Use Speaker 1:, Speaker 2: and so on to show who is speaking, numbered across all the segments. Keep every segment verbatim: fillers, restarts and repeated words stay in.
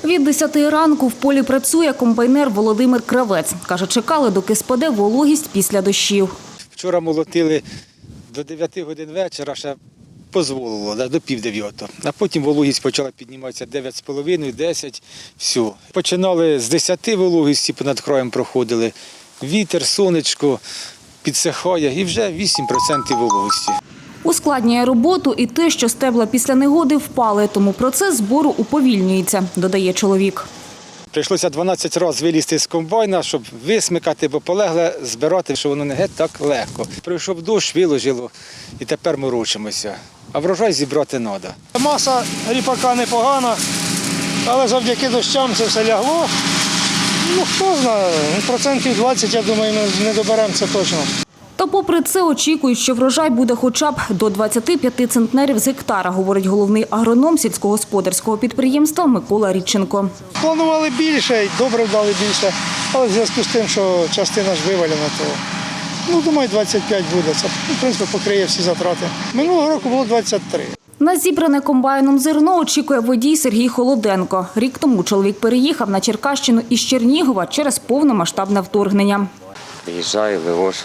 Speaker 1: Від десяти ранку в полі працює комбайнер Володимир Кравець. Каже, чекали, доки спаде вологість після дощів.
Speaker 2: Вчора молотили до дев'яти годин вечора, ще дозволило, до пів дев'ятого. А потім вологість почала підніматися дев'ять з половиною, десять, все. Починали з десяти вологісті, понад краєм проходили. Вітер, сонечко підсихає і вже вісім відсотків вологості.
Speaker 1: Ускладнює роботу і те, що стебла після негоди впали, тому процес збору уповільнюється, додає чоловік.
Speaker 2: Прийшлося дванадцять разів вилізти з комбайна, щоб висмикати, бо полегле збирати, що воно не геть так легко. Прийшов дощ, виложило і тепер морочимося. А врожай зібрати треба.
Speaker 3: Маса ріпака непогана, але завдяки дощам це все лягло. Ну, хто знає, процентів двадцять, я думаю, ми не доберемо це точно.
Speaker 1: Та попри це очікують, що врожай буде хоча б до двадцяти п'яти центнерів з гектара, говорить головний агроном сільськогосподарського підприємства Микола Рідченко.
Speaker 3: Планували більше, і добре вдали більше, але в зв'язку з тим, що частина ж вивалена, то, ну, думаю, двадцять п'ять буде. Це, в принципі, покриє всі затрати. Минулого року було двадцять три.
Speaker 1: На зібране комбайном зерно очікує водій Сергій Холоденко. Рік тому чоловік переїхав на Черкащину із Чернігова через повномасштабне вторгнення.
Speaker 4: Приїжджаю, вивожу,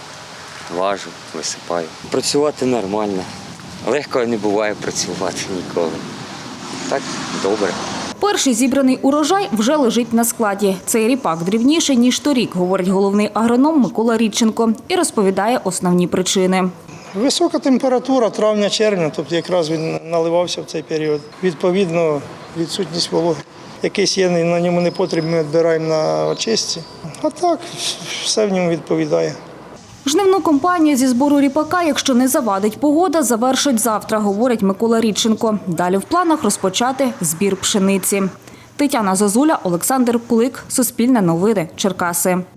Speaker 4: важу, висипаю. Працювати нормально. Легко не буває працювати ніколи. Так, добре.
Speaker 1: Перший зібраний урожай вже лежить на складі. Цей ріпак дрібніший, ніж торік, говорить головний агроном Микола Рідченко і розповідає основні причини.
Speaker 3: Висока температура травня-червня, тобто якраз він наливався в цей період. Відповідно, відсутність вологи. Якийсь є на ньому непотріб, ми відбираємо на очистці. А так, все в ньому відповідає.
Speaker 1: Жнивну кампанію зі збору ріпака, якщо не завадить погода, завершить завтра, говорить Микола Рідченко. Далі в планах розпочати збір пшениці. Тетяна Зозуля, Олександр Кулик, Суспільне новини, Черкаси.